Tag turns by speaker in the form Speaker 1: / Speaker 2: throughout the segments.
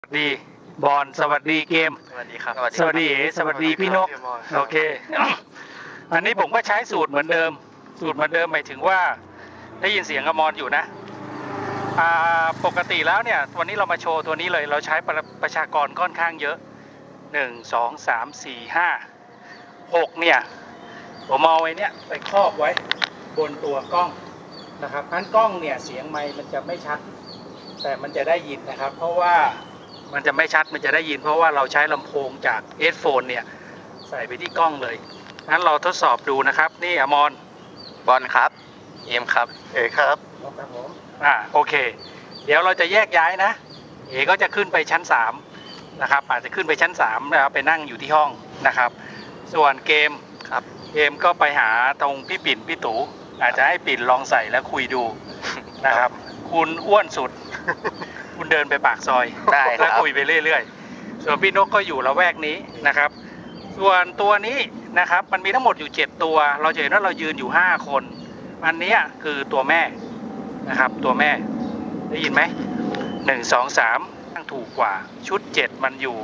Speaker 1: สวัสดีบอลสวัสดีเกม
Speaker 2: สวัสดีครับ
Speaker 1: สวัสดีเอ๋สวัสดีพี่นกโอเค อันนี้ผมก็ใช้สูตรเหมือนเดิมหมายถึงว่าได้ยินเสียงอมรอยู่นะปกติแล้วเนี่ยวันนี้เรามาโชว์ตัวนี้เลยเราใช้ประชากรค่อนข้างเยอะ1 2 3 4 5 6เนี่ยผมเอาไว้เนี่ยไปครอบไว้บนตัวกล้องนะครับงั้นกล้องเนี่ยเสียงไมค์มันจะไม่ชัดแต่มันจะได้ยินนะครับเพราะว่ามันจะไม่ชัดมันจะได้ยินเพราะว่าเราใช้ลำโพงจากเฮดโฟนเนี่ยใส่ไปที่กล้องเลยงั้นเราทดสอบดูนะครับนี่อมร
Speaker 2: บอลครับเอมครับ
Speaker 3: เอกครับ
Speaker 1: ครับผมโอเคเดี๋ยวเราจะแยกย้ายนะเอก็จะขึ้นไปชั้น3นะครับอาจจะขึ้นไปชั้น3แล้วไปนั่งอยู่ที่ห้องนะครับส่วนเกม
Speaker 2: ครับ
Speaker 1: เกมก็ไปหาตรงพี่ปิ่นพี่ตู่อาจจะให้ปิ่นลองใส่แล้วคุยดูนะครับ คุณอ้วนสุด คุณเดินไปปากซอย
Speaker 2: ได้ค
Speaker 1: แล้
Speaker 2: รั
Speaker 1: ว
Speaker 2: บ
Speaker 1: คุยไปเรื่อยๆส่วนพี่นกก็อยู่ละแวกนี้นะครับ ส่วนตัวนี้นะครับมันมีทั้งหมดอยู่7ตัวเราจะเห็นว่าเรายืนอยู่5คนอันนี้คือตัวแม่นะครับตัวแม่ได้ยินไหม1 2 3ตั้งถูกกว่าชุด7มันอยู่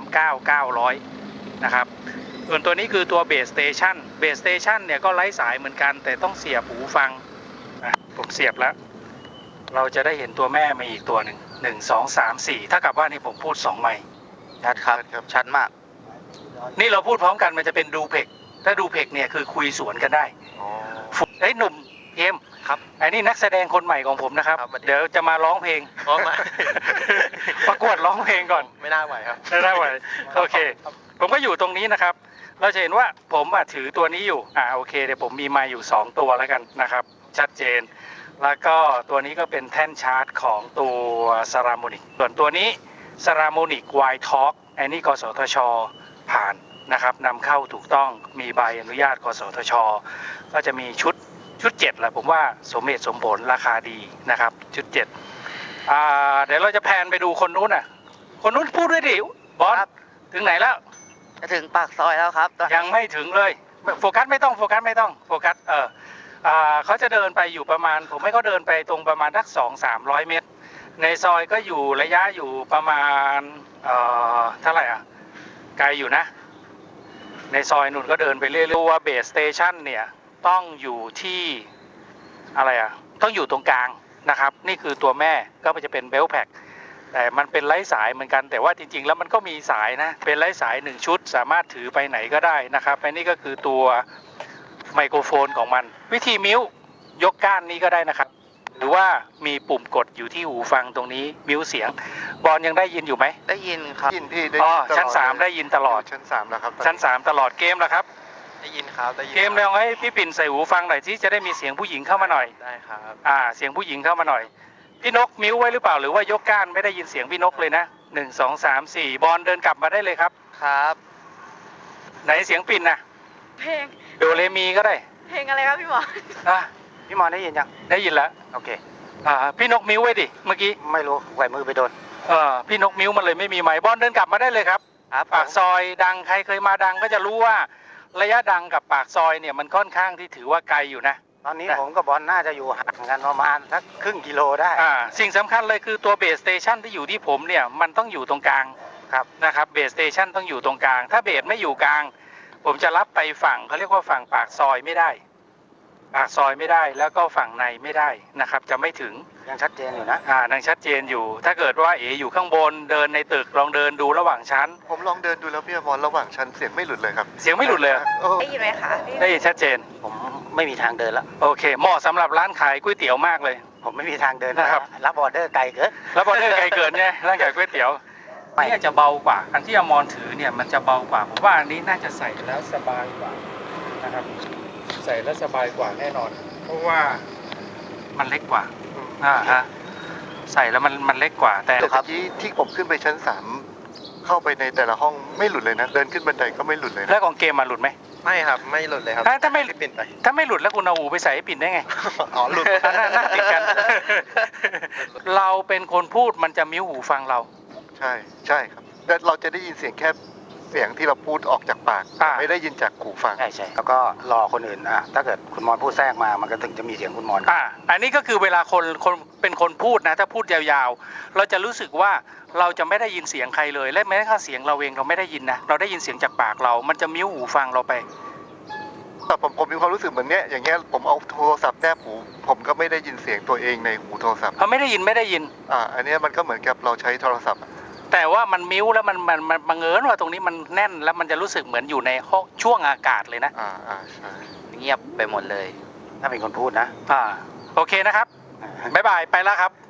Speaker 1: 39,900นะครับส่วนตัวนี้คือตัวเบสสเตชันเนี่ยก็ไร้สายเหมือนกันแต่ต้องเสียบหูฟังผมเสียบแล้วเราจะได้เห็นตัวแม่มาอีกตัวหนึ่ง1 2 3 4ถ้ากับว่านี่ผมพูด2ไมค์
Speaker 2: ชัดครับชัดมาก
Speaker 1: นี่เราพูดพร้อมกันมันจะเป็นดูเพกถ้าดูเพกเนี่ยคือคุยสวนกันได้เฮ้ยหนุ่มเกม
Speaker 2: ครับ
Speaker 1: ไอ้นี่นักแสดงคนใหม่ของผมนะครับ
Speaker 2: ครับสวัสดี
Speaker 1: เดี๋ยวจะมาร้องเพลง
Speaker 2: พร้อมไหม
Speaker 1: ประกวดร้องเพลงก่อน
Speaker 2: ไม่น่าไหวครับ
Speaker 1: ได้ไหมโอเค ผมก็อยู่ตรงนี้นะครับ เราจะเห็นว่าผมถือตัวนี้อยู่โอเคเดี๋ยวผมมีไมค์อยู่2ตัวแล้วกันนะครับ ชัดเจน แล้วก็ตัวนี้ก็เป็นแท่นชาร์จของตัวซาราโมนิกส่วนตัวนี้ซาราโมนิกไวท์ท็อกไอ้นี่กสทชผ่านนะครับนำเข้าถูกต้องมีใบอนุญาตกสทชก็จะมีชุด7แหละผมว่าสมเหตุสมผลราคาดีนะครับชุด7เดี๋ยวเราจะแพนไปดูคนนู้นคนนู้นพูดด้วยดิบอสถึงไหนแล้ว
Speaker 2: จะถึงปากซอยแล้วครับ
Speaker 1: ยังไม่ถึงเลยโฟกัสไม่ต้องโฟกัสเขาจะเดินไปอยู่ประมาณผมให้เขาเดินไปตรงประมาณสัก200-300 เมตรในซอยก็อยู่ระยะอยู่ประมาณเท่าไหร่ไกลอยู่นะในซอยนุ่นก็เดินไปเรื่อยๆว่าเบสสเตชันเนี่ยต้องอยู่ที่อะไรต้องอยู่ตรงกลางนะครับนี่คือตัวแม่ก็จะเป็นเบลแพ็กแต่มันเป็นไร้สายเหมือนกันแต่ว่าจริงๆแล้วมันก็มีสายนะเป็นไร้สาย1ชุดสามารถถือไปไหนก็ได้นะครับอันนี้ก็คือตัวไมโครโฟนของมันวิธีมิวยกก้านนี้ก็ได้นะครับหรือว่ามีปุ่มกดอยู่ที่หูฟังตรงนี้มิวเสียงบอลยังได้ยินอยู่ไหม
Speaker 2: ได้ยินครับ
Speaker 3: ยินพี่ได้
Speaker 1: ชั้น3ได้ยินตลอด
Speaker 3: ชั้น3แล้วครับ
Speaker 1: ชั้น3ตลอดเกมแล้วครับ
Speaker 2: ได้ยินครับได้ยิน
Speaker 1: เกมลองให้พี่ปิ่นใส่หูฟังหน่อยที่จะได้มีเสียงผู้หญิงเข้ามาหน่อย
Speaker 2: ได้ครับ
Speaker 1: เสียงผู้หญิงเข้ามาหน่อยพี่นกมิวไว้หรือเปล่าหรือว่ายกก้านไม่ได้ยินเสียงพี่นกเลยนะ1 2 3 4บอลเดินกลับมาได้เลยครับ
Speaker 2: ครับ
Speaker 1: ไหนเสียงปิ่นนะ
Speaker 4: เพลง
Speaker 1: โดเรมีก็ได้
Speaker 4: เพลงอะไรครับพี่หมอ
Speaker 2: พี่มอนได้ยินยัง
Speaker 1: ได้ยินแล้ว
Speaker 2: โอเค
Speaker 1: พี่นกมิวไว้ดิเมื่อกี้
Speaker 2: ไม่รู้ไหวมือไปโดน
Speaker 1: พี่นกมิวมันเลยไม่มีไมค์บอลเดินกลับมาได้เลยครับ
Speaker 2: ครับ
Speaker 1: ปากซอยดังใครเคยมาดังก็จะรู้ว่าระยะดังกับปากซอยเนี่ยมันค่อนข้างที่ถือว่าไกลอยู่นะ
Speaker 2: ตอนนี้ผมกับบอลน่าจะอยู่ห่างกันประมาณสักครึ่งกิโลได้
Speaker 1: สิ่งสำคัญเลยคือตัวเบสสเตชันที่อยู่ที่ผมเนี่ยมันต้องอยู่ตรงกลาง
Speaker 2: ครับ
Speaker 1: นะครับเบสสเตชันต้องอยู่ตรงกลางถ้าเบสไม่อยู่กลางผมจะรับไปฝั่งเขาเรียกว่าฝั่งปากซอยไม่ได้ปากซอยไม่ได้แล้วก็ฝั่งในไม่ได้นะครับจะไม่ถึง
Speaker 2: ยังชัดเจนอยู่นะ
Speaker 1: ยังชัดเจนอยู่ ถ้าเกิดว่าอยู่ข้างบนเดินในตึกลองเดินดูระหว่างชั้น
Speaker 3: ผมลองเดินดูแล้วพี่อมรระหว่างชั้นเสียงไม่หลุดเลยครับ
Speaker 1: เสียงไม่หลุดเลย
Speaker 4: ได้ยินไหมคะพี่
Speaker 1: ได้ยินชัดเจน
Speaker 2: ผมไม่มีทางเดินแล้ว
Speaker 1: โอเคเหมาะสำหรับร้านขายก๋วยเตี๋ยวมากเลย
Speaker 2: ผมไม่มีทางเดิน
Speaker 1: นะครับ
Speaker 2: รับออเดอร์ไกลเกิน
Speaker 1: แล้วบอลเดอร์ไกลเกินไงร้านขายก๋วยเตี๋ยวนี่จะเบากว่าอันที่อมรถือเนี่ยมันจะเบากว่าผมว่าอันนี้น่าจะใส่แล้วสบายกว่านะครับใส่แล้วสบายกว่าแน่นอน เพราะว่ามันเล็กกว่าใส่แล้วมันเล็กกว่าแต่
Speaker 3: แต่เมื่อกี้ที่ผมขึ้นไปชั้น3เข้าไปในแต่ละห้องไม่หลุดเลยนะเดินขึ้นบันไดก็ไม่หลุดเลยนะ
Speaker 1: แล้วของเกมมันหลุดไหม
Speaker 2: ไม่ครับไม่หลุดเลยครับ
Speaker 1: ถ้าไม่
Speaker 2: ปิดไป
Speaker 1: ถ้าไม่หลุดแล้วคุณเอาหูไปใส่ให้ปิ่นได้ไง
Speaker 2: อ๋อหลุด
Speaker 1: หน้าติดกัน เราเป็นคนพูดมันจะมิ้วหูฟังเรา
Speaker 3: ใช่ครับแต่เราจะได้ยินเสียงแค่สียงที่เราพูดออกจากปาก
Speaker 1: อ่า
Speaker 3: ไม่ได้ยินจากหูฟัง
Speaker 2: ใช่ใช่แล้วก็รอคนอื่นถ้าเกิดคุณมอนพูดแทรกมามันก็ถึงจะมีเสียงคุณมอน
Speaker 1: อันนี้ก็คือเวลาคนเป็นคนพูดนะถ้าพูดยาวๆ เราจะรู้สึกว่าเราจะไม่ได้ยินเสียงใครเลยและแม้กระทั่งเสียงเราเองเราไม่ได้ยินนะเราได้ยินเสียงจากปากเรา มันจะมิ้วหูฟังเราไป
Speaker 3: แต่ผมมีความรู้สึกเหมือนเนี้ยอย่างเงี้ยผมเอาโทรศัพท์แนบหูผมก็ไม่ได้ยินเสียงตัวเองในหูโทรศัพท์
Speaker 1: เขาไม่ได้ยิน
Speaker 3: อันเนี้ยมันก็เหมือนกับเราใช้โทรศัพท์อะ
Speaker 1: แต่ว่ามันมิ้วแล้วมันบังเอิญว่าตรงนี้มันแน่นแล้วมันจะรู้สึกเหมือนอยู่ในห้องช่วงอากาศเลยนะ
Speaker 3: ใช่
Speaker 5: เงียบไปหมดเลย
Speaker 2: ถ้าเป็นคนพูดนะ
Speaker 1: โอเคนะครับบ๊ายบายไปแล้วครับ